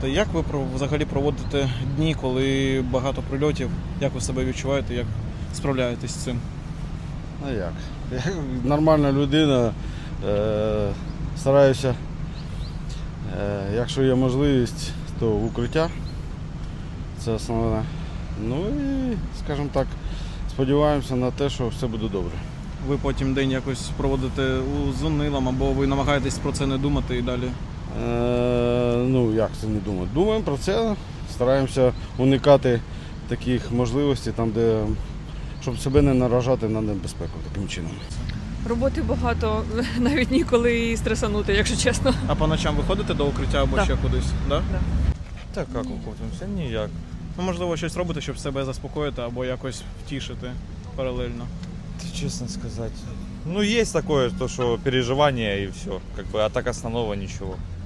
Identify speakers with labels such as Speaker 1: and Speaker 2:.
Speaker 1: Як ви взагалі проводите дні, коли багато прильотів? Як ви себе відчуваєте, як справляєтесь з цим?
Speaker 2: А як? Я нормальна людина, стараюся, якщо є можливість, то в укриття. Це основне. Ну і, скажімо так, сподіваємося на те, що все буде добре.
Speaker 1: Ви потім день якось проводите з унилом, або ви намагаєтесь про це не думати і далі?
Speaker 2: Ну, як це не думати? Думаємо про це, стараємося уникати таких можливостей, там, де, щоб себе не наражати на небезпеку таким чином.
Speaker 3: Роботи багато, навіть ніколи і стресанути, якщо чесно.
Speaker 1: А по ночам ви ходите до укриття або
Speaker 3: Так.
Speaker 1: ще кудись? Да?
Speaker 3: Да.
Speaker 4: Так як уходимося? Ніяк.
Speaker 1: Ну, можливо, щось робите, щоб себе заспокоїти або якось втішити паралельно.
Speaker 4: Честно сказать. Ну, есть такое, то, что переживания и все. Как бы, а так основного ничего.